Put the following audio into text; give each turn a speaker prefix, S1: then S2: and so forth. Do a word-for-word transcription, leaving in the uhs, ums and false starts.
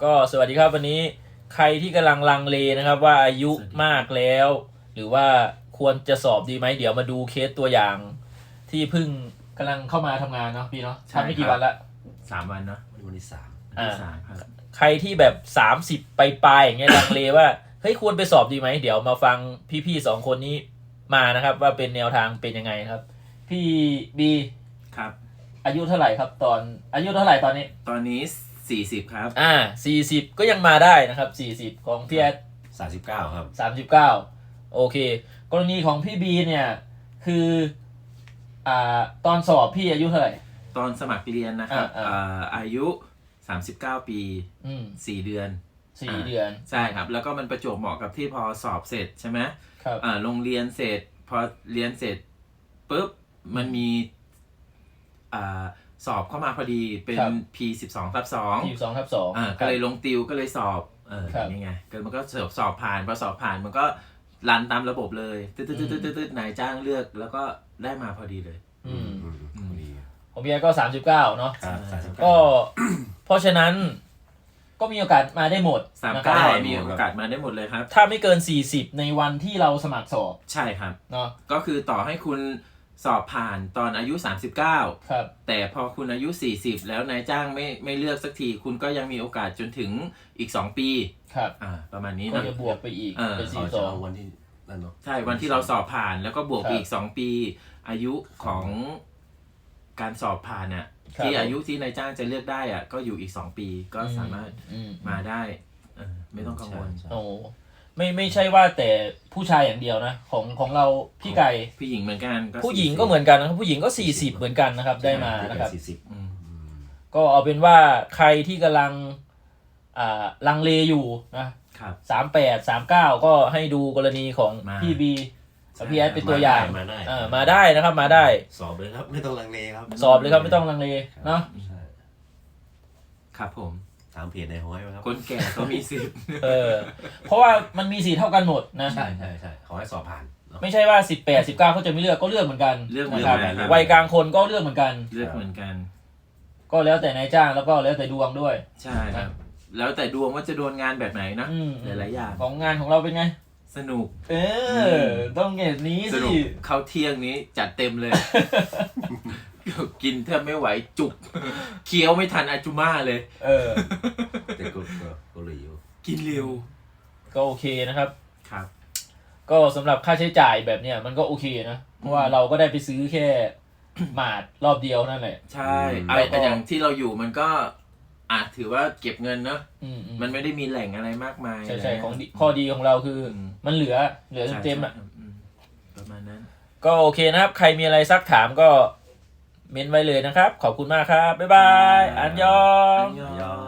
S1: ก็สวัสดีครับวันนี้ใครที่กำลังลังเลนะครับว่าอายุมากแล้ว หรือว่าควรจะสอบดีไหมเดี๋ยวมาดูเคสตัวอย่าง ที่เพิ่งกำลังเข้ามาทำงานเนาะพี่เนาะทำไม่กี่วันละ
S2: สามวันเนาะ
S3: วันที่สาม
S2: วันที่สามครับ
S1: ใครที่แบบสามสิบไปปลายๆอย่างเงี้ยลังเลว่าเฮ้ยควรไปสอบดีไหมเดี๋ยวมาฟังพี่ๆสองคนนี้มานะครับ ว่าเป็นแนวทางเป็นยังไงครับ พี่บี
S2: ครับ
S1: อายุเท่าไหร่ครับ ตอนอายุเท่าไหร่ตอนนี้
S2: ตอนนี้สี่สิบครับ
S1: อ่าสี่สิบก็ยังมาได้นะครับสี่สิบของพี่แอด
S3: สามสิบเก้าครับ
S1: สามสิบเก้าโอเค กรณีของพี่บีเนี่ยคืออ่าตอนสอบพี่อายุเท่าไหร่
S2: ตอนสมัครเรียนนะครับ
S1: อ่าอ่า
S2: เอ่ออายุสามสิบเก้าปี
S1: อืม
S2: สี่เดือน
S1: สี่
S2: อ่า
S1: เดือน
S2: ใช่ครับ แล้วก็มันประจวบเหมาะกับที่พอสอบเสร็จใช่ไหม
S1: ครับ
S2: อ่าโรงเรียนเสร็จ พอเรียนเสร็จปุ๊บมันมีอ่าสอบเข้ามาพอดีเป็น P สิบสองทับสอง
S1: ยี่สิบสองทับสอง
S2: อ่าก็เลยลงติวก็เลยสอบเออ
S1: ครับ
S2: นี่ไงก็มันก็สอบสอบผ่านพอสอบผ่านมันก็รันตามระบบเลยตึ๊ดตึ๊ดตึ๊ดตึ๊ดตึ๊ดนายจ้างเลือกแล้วก็ได้มาพอดีเลย
S1: อืม
S3: อืมพอดี
S1: ของพี่แอดก็สามสิบเก้าเนาะ
S3: ครับสามสิบเก้า
S1: ก็ เพราะฉะนั้นก็มีโอกาสมาได้หมด
S2: สาม
S1: นะค
S2: เก้า
S1: รับ
S2: มีโอกาสมาได้หมดเลยครับ
S1: ถ้าไม่เกินสี่สิบในวันที่เราสมัครสอบ
S2: ใช่ครับ
S1: เนาะ
S2: ก็คือต่อให้คุณสอบผ่านตอนอายุสามสิบเก้า
S1: ครับ
S2: แต่พอคุณอายุสี่สิบแล้วนายจ้างไม่ไม่เลือกสักทีคุณก็ยังมีโอกาสจนถึงอีกสองปี
S1: ครับ
S2: อ่าประมาณนี้
S1: ก็
S2: นะ
S1: จะบวกไปอีก
S2: เออ
S1: เป็น
S3: เขา
S1: สี่ส
S3: จะ
S1: อง
S3: เอาวันที่นั่นเนาะ
S2: ใช่วันที่เราสอบผ่านแล้วก็บวกไป
S1: ครับ
S2: อีกสองปี อายุของการสอบผ่านน่ะ
S1: ครับ
S2: ที่อายุที่นายจ้างจะเลือกได้อ่ะก็อยู่อีกสองปีก็สามารถ
S1: อืม
S2: มาได้เออไม่ต้องกังวล
S3: ใช่
S1: โอ้ไม่ไม่ใช่ว่าแต่ผู้ชายอย่างเดียวนะ ของของเราพี่ไก่
S2: ผู้หญิงเหมือนกันก็
S1: ผู้หญิง
S2: สี่สิบ
S1: ก็เหมือนกันนะครับผู้หญิงก็สี่สิบเหมือนกันนะครับ ได้มา
S3: ไม่
S1: นะ
S3: เกิ
S1: ครับ
S3: สี่สิบ
S2: อืม
S3: อืม
S1: ก็เอาเป็นว่าใครที่กำลังอ่าลังเลอยู่นะครับ สามแปดสามเก้าก็ให้ดูกรณีของ
S2: มา
S1: พี่บีกับพี่แอดเป็นตัวอย่าง
S3: มาได้
S1: เออมาได้นะครับมาได้
S3: สอบเลยครับ ไม่ต้องลังเลครับ
S1: สอบเลยครับไม่ต้องลังเลเนาะ
S3: ใช่
S2: ครับผม
S3: ถามเพจในห้อยไหมครับ
S2: คนแก่ก็มีสิทธิ์
S1: เออเพราะว่ามันมีสีเท่ากันหมดนะ
S3: ใช่ใช่ใช่ขอให้สอบผ่านเนาะ
S1: ไม่ใช่ว่าสิบแปดสิบเก้าเขาจะไม่เลือกก็เลือกเหมือนกัน
S2: เลือกเหมือน
S1: นะค
S2: กั
S1: รั
S2: น
S1: บ
S2: ครับ
S1: วัยกลางคนก็เลือกเหมือนกัน
S2: เลือกเหมือนกัน
S1: ก็แล้วแต่นายจ้างแล้วก็แล้วแต่ดวงด้วย
S2: ใช่ครับ แล้วแต่ดวงว่าจะโดนงานแบบไหนนะ
S1: อืม
S2: หลายๆอย่าง
S1: ของงานของเราเป็นไง
S2: สนุก
S1: เออ ต้องเงี้ยนี้
S2: ส
S1: สิ
S2: นุกเข้าเที่ยงนี้จัดเต็มเลย กินแทบไม่ไหวจุก เคี้ยวไม่ทันอาจุม่าเลย
S1: เออ
S3: แต่ก็ก็ก็เลยอยู่
S2: กินเร็ว
S1: ก็โอเคนะครับ
S2: ครับ
S1: ก็สำหรับค่าใช้จ่ายแบบเนี้ยมันก็โอเคนะ เพราะว่าเราก็ได้ไปซื้อแค่ หมาดรอบเดียวนั่นแหละ
S2: ใช่
S3: อืม
S2: ไอ้แต่อย่างที่เราอยู่มันก็อาจถือว่าเก็บเงินเนอะ
S1: อืมอืม
S2: มันไม่ได้มีแหล่งอะไรมากมาย
S1: ใช่ใช่
S2: ะไร
S1: ของดีข้อดีของเราคืออ
S2: ม
S1: มันเหลือเหลือ
S2: ใช่
S1: เต็มๆอ่ะ
S2: ใช่อืมประมาณนั้น
S1: ก็โอเคนะครับ ใครมีอะไรซักถามก็เม้นไว้เลยนะครับ ขอบคุณมากครับ บ๊ายบาย อันยอง
S2: อันยอง
S3: ยอ